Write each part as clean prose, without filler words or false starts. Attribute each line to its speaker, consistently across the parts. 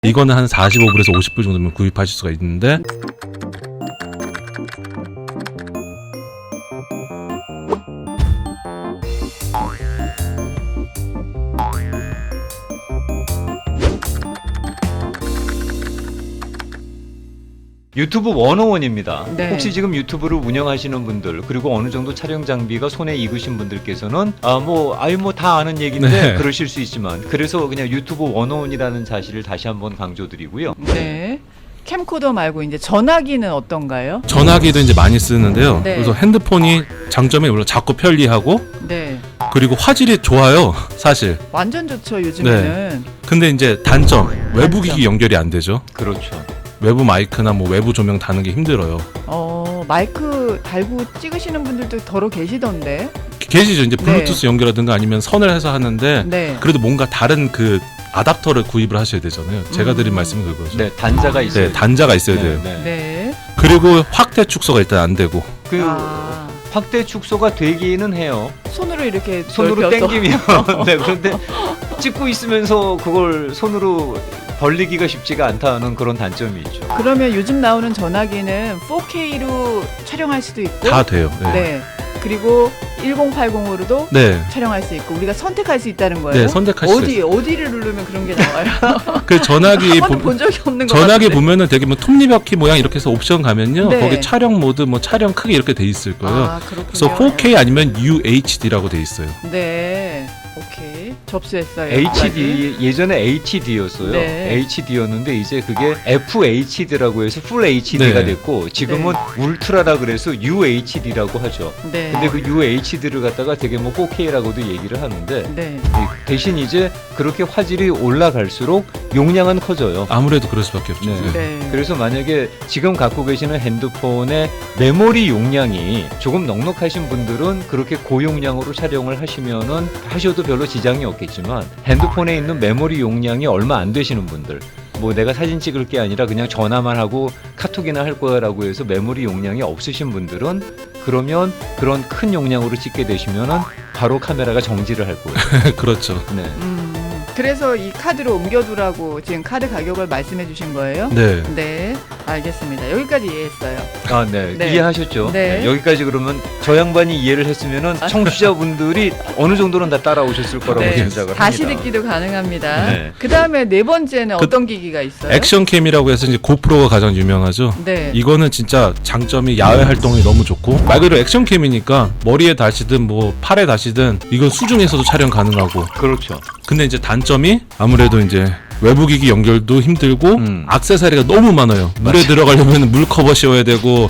Speaker 1: 이거는 한 45불에서 50불 정도면 구입하실 수가 있는데
Speaker 2: 유튜브 101입니다.
Speaker 3: 네.
Speaker 2: 혹시 지금 유튜브를 운영하시는 분들 그리고 어느 정도 촬영 장비가 손에 익으신 분들께서는 다 아는 얘기인데
Speaker 1: 네.
Speaker 2: 그러실 수 있지만 그래서 그냥 유튜브 101이라는 사실을 다시 한번 강조드리고요.
Speaker 3: 네. 캠코더 말고 이제 전화기는 어떤가요?
Speaker 1: 전화기도 이제 많이 쓰는데요.
Speaker 3: 네.
Speaker 1: 그래서 핸드폰이 장점이 물론 작고 편리하고
Speaker 3: 네.
Speaker 1: 그리고 화질이 좋아요. 사실.
Speaker 3: 완전 좋죠, 요즘에는.
Speaker 1: 근데 이제 단점 외부 기기 연결이 안 되죠.
Speaker 2: 그렇죠.
Speaker 1: 외부 마이크나 뭐 외부 조명 다는 게 힘들어요.
Speaker 3: 마이크 달고 찍으시는 분들도 더러 계시던데.
Speaker 1: 계시죠. 이제 블루투스 연결하든가 아니면 선을 해서 하는데
Speaker 3: 네.
Speaker 1: 그래도 뭔가 다른 그 아답터를 구입을 하셔야 되잖아요. 제가 드린 말씀은 그거죠.
Speaker 2: 네, 단자가 있어요.
Speaker 1: 네, 단자가 있어야 돼요.
Speaker 3: 네.
Speaker 1: 그리고 확대 축소가 일단 안 되고.
Speaker 2: 그 확대 축소가 되기는 해요.
Speaker 3: 손으로 이렇게
Speaker 2: 손으로
Speaker 3: 넓혀서.
Speaker 2: 당기면 네, 그런데 찍고 있으면서 그걸 손으로 벌리기가 쉽지가 않다는 그런 단점이 있죠.
Speaker 3: 그러면 요즘 나오는 전화기는 4K로 촬영할 수도 있고
Speaker 1: 다 돼요. 네.
Speaker 3: 네. 그리고 1080으로도
Speaker 1: 네.
Speaker 3: 촬영할 수 있고 우리가 선택할 수 있다는 거예요.
Speaker 1: 네, 선택할 수 있어요.
Speaker 3: 어디를 누르면 그런 게 나와요?
Speaker 1: 그 전화기
Speaker 3: 한 번도 본 적이 없는 것
Speaker 1: 전화기
Speaker 3: 같은데.
Speaker 1: 보면은 되게 뭐 톱니바퀴 모양 이렇게 해서 옵션 가면요.
Speaker 3: 네.
Speaker 1: 거기 촬영 모드 뭐 촬영 크기 이렇게 돼 있을 거예요.
Speaker 3: 아, 그렇군요.
Speaker 1: 그래서 4K 아니면 UHD라고 돼 있어요.
Speaker 3: 네. 오케이. 접수했어요.
Speaker 2: HD 예전에 HD였어요.
Speaker 3: 네.
Speaker 2: HD였는데 이제 그게 FHD라고 해서 풀 HD가
Speaker 1: 네.
Speaker 2: 됐고 지금은 울트라라 그래서 UHD라고 하죠.
Speaker 3: 네.
Speaker 2: 근데 그 UHD를 갖다가 되게 뭐 4K라고도 얘기를 하는데
Speaker 3: 네.
Speaker 2: 대신 이제 그렇게 화질이 올라갈수록 용량은 커져요.
Speaker 1: 아무래도 그럴 수밖에 없죠.
Speaker 2: 네.
Speaker 1: 네.
Speaker 3: 네.
Speaker 2: 그래서 만약에 지금 갖고 계시는 핸드폰의 메모리 용량이 조금 넉넉하신 분들은 그렇게 고용량으로 촬영을 하셔도 별로 지장이 없겠지만 핸드폰에 있는 메모리 용량이 얼마 안 되시는 분들 뭐 내가 사진 찍을 게 아니라 그냥 전화만 하고 카톡이나 할 거야라고 해서 메모리 용량이 없으신 분들은 그러면 그런 큰 용량으로 찍게 되시면은 바로 카메라가 정지를 할 거예요.
Speaker 1: 그렇죠.
Speaker 2: 네.
Speaker 3: 그래서 이 카드로 옮겨두라고 지금 카드 가격을 말씀해 주신 거예요?
Speaker 1: 네.
Speaker 3: 네. 알겠습니다. 여기까지 이해했어요.
Speaker 2: 아, 네.
Speaker 3: 네.
Speaker 2: 이해하셨죠?
Speaker 3: 네.
Speaker 2: 여기까지 그러면 저 양반이 이해를 했으면은 청취자분들이 어느 정도는 다 따라오셨을 거라고
Speaker 3: 네.
Speaker 2: 짐작을
Speaker 3: 다시
Speaker 2: 합니다.
Speaker 3: 듣기도 가능합니다.
Speaker 2: 네.
Speaker 3: 그 다음에 네 번째는 어떤 기기가 있어요?
Speaker 1: 액션캠이라고 해서 이제 고프로가 가장 유명하죠.
Speaker 3: 네.
Speaker 1: 이거는 진짜 장점이 야외 활동이 너무 좋고 말 그대로 액션캠이니까 머리에 다시든 뭐 팔에 다시든 이건 수중에서도 촬영 가능하고.
Speaker 2: 그렇죠.
Speaker 1: 근데 이제 단점이 아무래도 이제 외부 기기 연결도 힘들고 액세서리가 너무 많아요. 물에 들어가려면 물 커버 씌워야 되고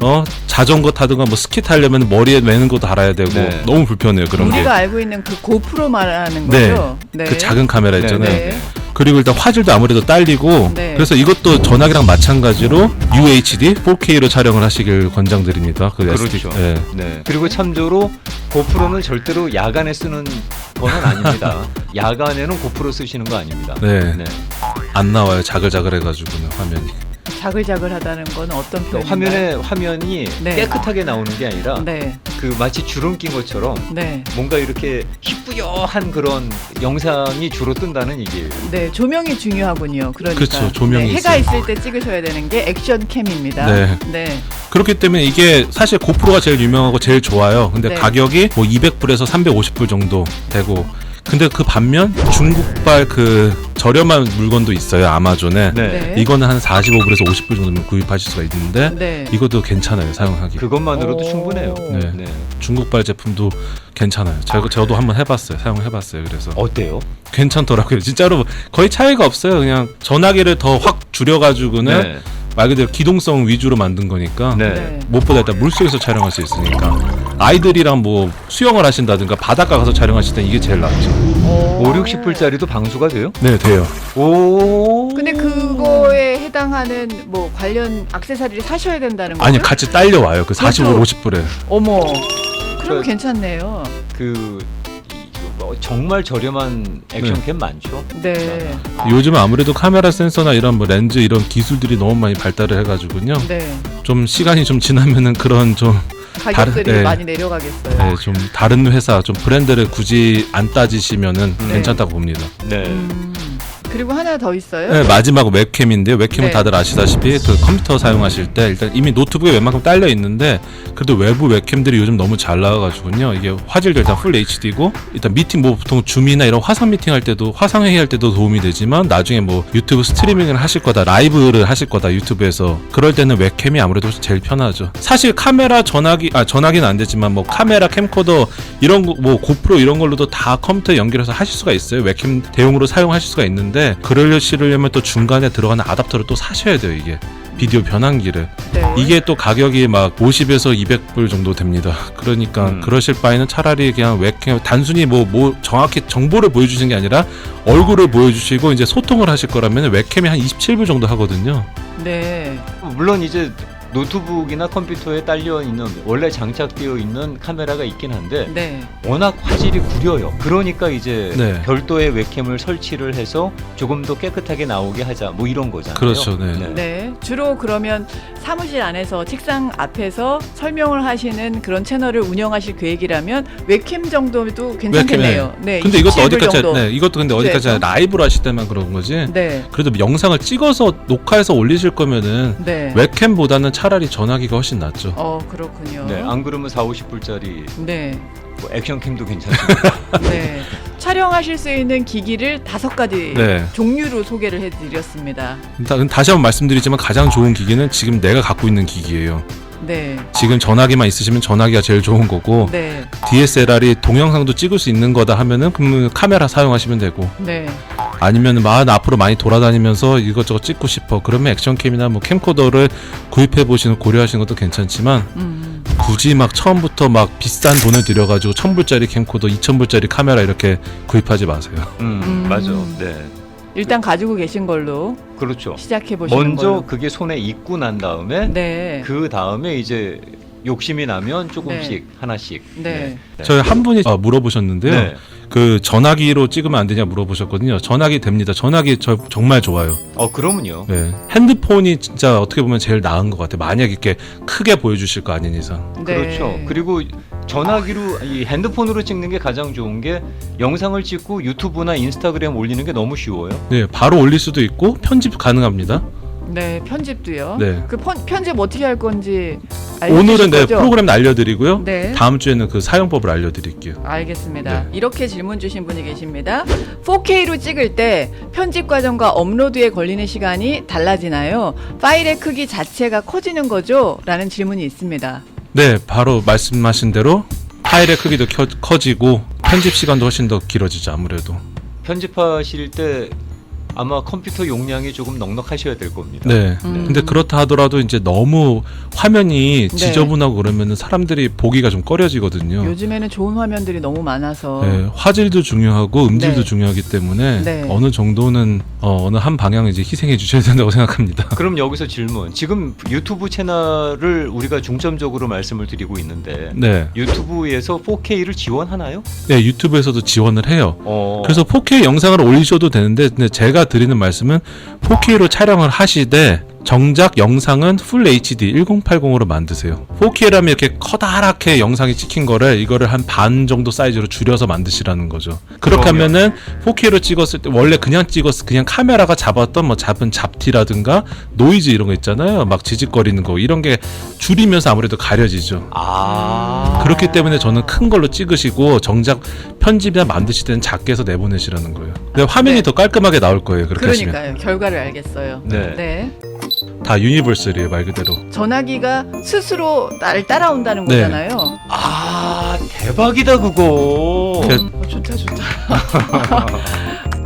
Speaker 1: 자전거 타든가 뭐 스키 타려면 머리에 매는 거 달아야 되고
Speaker 2: 네.
Speaker 1: 너무 불편해요. 그런 게.
Speaker 3: 우리가 알고 있는 그 고프로 말하는
Speaker 1: 네.
Speaker 3: 거죠? 네.
Speaker 1: 그 작은 카메라 있잖아요.
Speaker 3: 네.
Speaker 1: 그리고 일단 화질도 아무래도 딸리고
Speaker 3: 네.
Speaker 1: 그래서 이것도 전화기랑 마찬가지로 UHD 4K로 촬영을 하시길 권장드립니다. 그
Speaker 2: 그렇죠.
Speaker 1: 네.
Speaker 2: 네. 그리고 참조로 고프로는 절대로 야간에 쓰는 거는 아닙니다. 야간에는 고프로 쓰시는 거 아닙니다.
Speaker 1: 네.
Speaker 2: 네.
Speaker 1: 안 나와요. 자글자글해가지고는 화면이.
Speaker 3: 자글자글하다는 건 어떤 표현인가요?
Speaker 2: 그러니까 화면이
Speaker 3: 네.
Speaker 2: 깨끗하게 나오는 게 아니라
Speaker 3: 네.
Speaker 2: 그 마치 주름 낀 것처럼
Speaker 3: 네.
Speaker 2: 뭔가 이렇게 희뿌여한 그런 영상이 주로 뜬다는 얘기예요.
Speaker 3: 네, 조명이 중요하군요. 그러니까
Speaker 1: 그렇죠, 조명이
Speaker 3: 해가
Speaker 1: 있어요.
Speaker 3: 있을 때 찍으셔야 되는 게 액션캠입니다.
Speaker 1: 네.
Speaker 3: 네.
Speaker 1: 그렇기 때문에 이게 사실 고프로가 제일 유명하고 제일 좋아요. 근데
Speaker 3: 네.
Speaker 1: 가격이 뭐 200불에서 350불 정도 되고 근데 그 반면 중국발 그 저렴한 물건도 있어요. 아마존에.
Speaker 3: 네.
Speaker 1: 이거는 한 45불에서 50불 정도면 구입하실 수가 있는데
Speaker 3: 네.
Speaker 1: 이것도 괜찮아요. 사용하기.
Speaker 2: 그것만으로도
Speaker 3: 오.
Speaker 2: 충분해요.
Speaker 1: 네.
Speaker 2: 네.
Speaker 1: 중국발 제품도 괜찮아요. 저도 한번 해봤어요. 사용해봤어요. 그래서
Speaker 2: 어때요?
Speaker 1: 괜찮더라고요. 진짜로 거의 차이가 없어요. 그냥 전화기를 더 확 줄여가지고는
Speaker 2: 네.
Speaker 1: 말 그대로 기동성 위주로 만든 거니까
Speaker 2: 네.
Speaker 3: 네.
Speaker 1: 무엇보다 일단 물속에서 촬영할 수 있으니까 아이들이랑 뭐 수영을 하신다든가 바닷가 가서 촬영하실 땐 이게 제일 낫죠.
Speaker 2: 5, 60불짜리도 방수가 돼요?
Speaker 1: 네, 돼요.
Speaker 2: 오.
Speaker 3: 근데 그거에 해당하는 뭐 관련 액세서리를 사셔야 된다는 거예요?
Speaker 1: 아니 같이 딸려와요. 그 45불, 50불에.
Speaker 3: 어머. 그럼
Speaker 2: 그-
Speaker 3: 괜찮네요.
Speaker 2: 정말 저렴한 액션캠 많죠?
Speaker 3: 네.
Speaker 1: 요즘은 아무래도 카메라 센서나 이런 뭐 렌즈 이런 기술들이 너무 많이 발달을 해가지고요.
Speaker 3: 네.
Speaker 1: 좀 시간이 좀 지나면은 그런 좀
Speaker 3: 가격들이
Speaker 1: 네.
Speaker 3: 많이 내려가겠어요.
Speaker 1: 네, 좀 다른 회사 좀 브랜드를 굳이 안 따지시면은 괜찮다고 봅니다.
Speaker 2: 네.
Speaker 3: 그리고 하나 더 있어요.
Speaker 1: 네, 마지막 웹캠인데 웹캠은
Speaker 3: 네.
Speaker 1: 다들 아시다시피 그 컴퓨터 사용하실 때 일단 이미 노트북에 웬만큼 딸려 있는데 그래도 외부 웹캠들이 요즘 너무 잘 나와가지고요. 이게 화질도 일단 풀 HD고 일단 미팅 뭐 보통 줌이나 이런 화상 미팅 할 때도 화상 회의 할 때도 도움이 되지만 나중에 뭐 유튜브 스트리밍을 하실 거다 라이브를 하실 거다 유튜브에서 그럴 때는 웹캠이 아무래도 제일 편하죠. 사실 카메라 전화기는 안 되지만 뭐 카메라 캠코더 이런 거 뭐 고프로 이런 걸로도 다 컴퓨터에 연결해서 하실 수가 있어요. 웹캠 대용으로 사용하실 수가 있는데 그러려면 또 중간에 들어가는 아답터를 또 사셔야 돼요. 이게 비디오 변환기를
Speaker 3: 네.
Speaker 1: 이게 또 가격이 막 50에서 200불 정도 됩니다. 그러니까 그러실 바에는 차라리 그냥 웹캠 단순히 뭐 정확히 정보를 보여주시는 게 아니라 얼굴을 보여주시고 이제 소통을 하실 거라면 웹캠이 한 27불 정도 하거든요.
Speaker 3: 네.
Speaker 2: 물론 이제 노트북이나 컴퓨터에 딸려 있는 원래 장착되어 있는 카메라가 있긴 한데
Speaker 3: 네.
Speaker 2: 워낙 화질이 구려요. 그러니까 이제
Speaker 1: 네.
Speaker 2: 별도의 웹캠을 설치를 해서 조금 더 깨끗하게 나오게 하자 뭐 이런 거잖아요.
Speaker 1: 그렇죠, 네.
Speaker 3: 네. 주로 그러면 사무실 안에서 책상 앞에서 설명을 하시는 그런 채널을 운영하실 계획이라면 웹캠 정도도 괜찮겠네요. 네.
Speaker 1: 근데 이것도
Speaker 3: 27불
Speaker 1: 어디까지
Speaker 3: 정도.
Speaker 1: 네, 이것도 근데 어디까지
Speaker 3: 그래서?
Speaker 1: 라이브로 하실 때만 그런 거지.
Speaker 3: 네.
Speaker 1: 그래도 영상을 찍어서 녹화해서 올리실 거면은
Speaker 3: 네.
Speaker 1: 웹캠보다는 차라리 전화기가 훨씬 낫죠.
Speaker 3: 그렇군요.
Speaker 2: 네, 안 그러면 40~50불짜리
Speaker 3: 네.
Speaker 2: 뭐 액션캠도 괜찮습니다.
Speaker 3: 네. 촬영하실 수 있는 기기를 5가지
Speaker 1: 네.
Speaker 3: 종류로 소개를 해드렸습니다.
Speaker 1: 일단 다시 한번 말씀드리지만 가장 좋은 기기는 지금 내가 갖고 있는 기기예요.
Speaker 3: 네.
Speaker 1: 지금 전화기만 있으시면 전화기가 제일 좋은 거고
Speaker 3: 네.
Speaker 1: DSLR이 동영상도 찍을 수 있는 거다 하면은 그러면 카메라 사용하시면 되고
Speaker 3: 네.
Speaker 1: 아니면 앞으로 많이 돌아다니면서 이것저것 찍고 싶어 그러면 액션캠이나 뭐 캠코더를 구입해 보시는 고려하시는 것도 괜찮지만 굳이 막 처음부터 막 비싼 돈을 들여가지고 1,000불짜리 캠코더 2,000불짜리 카메라 이렇게 구입하지 마세요.
Speaker 2: 맞아. 네.
Speaker 3: 일단 가지고 계신 걸로
Speaker 2: 그렇죠.
Speaker 3: 시작해 보시는
Speaker 2: 먼저
Speaker 3: 걸로.
Speaker 2: 그게 손에 익고 난 다음에
Speaker 3: 네.
Speaker 2: 그 다음에 이제 욕심이 나면 조금씩
Speaker 3: 네.
Speaker 2: 하나씩.
Speaker 3: 네.
Speaker 1: 저희 한 분이 물어보셨는데요.
Speaker 2: 네.
Speaker 1: 그 전화기로 찍으면 안 되냐 물어보셨거든요. 전화기 됩니다. 전화기 정말 좋아요.
Speaker 2: 그러면요.
Speaker 1: 네. 핸드폰이 진짜 어떻게 보면 제일 나은 것 같아요. 만약 이렇게 크게 보여주실 거 아닌 이상.
Speaker 3: 네.
Speaker 2: 그렇죠. 그리고 전화기로 이 핸드폰으로 찍는 게 가장 좋은 게 영상을 찍고 유튜브나 인스타그램 올리는 게 너무 쉬워요.
Speaker 1: 네, 바로 올릴 수도 있고 편집 가능합니다.
Speaker 3: 네, 편집도요.
Speaker 1: 네.
Speaker 3: 그 편집 어떻게 할 건지 알려주실
Speaker 1: 오늘은 네,
Speaker 3: 거죠?
Speaker 1: 프로그램 알려드리고요.
Speaker 3: 네.
Speaker 1: 다음 주에는 그 사용법을 알려드릴게요.
Speaker 3: 알겠습니다.
Speaker 1: 네.
Speaker 3: 이렇게 질문 주신 분이 계십니다. 4K로 찍을 때 편집 과정과 업로드에 걸리는 시간이 달라지나요? 파일의 크기 자체가 커지는 거죠? 라는 질문이 있습니다.
Speaker 1: 네, 바로 말씀하신 대로 파일의 크기도 커지고 편집 시간도 훨씬 더 길어지죠. 아무래도.
Speaker 2: 편집하실 때 아마 컴퓨터 용량이 조금 넉넉하셔야 될 겁니다.
Speaker 1: 네. 근데 그렇다 하더라도 이제 너무 화면이
Speaker 3: 네.
Speaker 1: 지저분하고 그러면은 사람들이 보기가 좀 꺼려지거든요.
Speaker 3: 요즘에는 좋은 화면들이 너무 많아서
Speaker 1: 네, 화질도 중요하고 음질도
Speaker 3: 네.
Speaker 1: 중요하기 때문에
Speaker 3: 네.
Speaker 1: 어느 정도는 어느 한 방향을 이제 희생해 주셔야 된다고 생각합니다.
Speaker 2: 그럼 여기서 질문. 지금 유튜브 채널을 우리가 중점적으로 말씀을 드리고 있는데
Speaker 1: 네,
Speaker 2: 유튜브에서 4K를 지원하나요?
Speaker 1: 네 유튜브에서도 지원을 해요.
Speaker 2: 어.
Speaker 1: 그래서 4K 영상을 올리셔도 되는데 근데 제가 드리는 말씀은 4K로 촬영을 하시되 정작 영상은 풀 HD 1080으로 만드세요. 4K라면 이렇게 커다랗게 영상이 찍힌 거를 이거를 한 반 정도 사이즈로 줄여서 만드시라는 거죠. 그렇게
Speaker 2: 그러면-
Speaker 1: 하면은 4K로 찍었을 때 원래 그냥 카메라가 잡았던 뭐 잡은 잡티라든가 노이즈 이런 거 있잖아요. 막 지직거리는 거 이런 게 줄이면서 아무래도 가려지죠. 그렇기 때문에 저는 큰 걸로 찍으시고 정작 편집이나 만드실 때는 작게 해서 내보내시라는 거예요. 근데 화면이
Speaker 3: 네.
Speaker 1: 더 깔끔하게 나올 거예요. 그렇게 하시면.
Speaker 3: 그러니까요. 결과를 알겠어요.
Speaker 2: 네.
Speaker 1: 다 유니버설이에요 말 그대로.
Speaker 3: 전화기가 스스로 나를 따라온다는
Speaker 1: 네.
Speaker 3: 거잖아요.
Speaker 2: 대박이다 그거.
Speaker 1: 그-
Speaker 3: 좋다.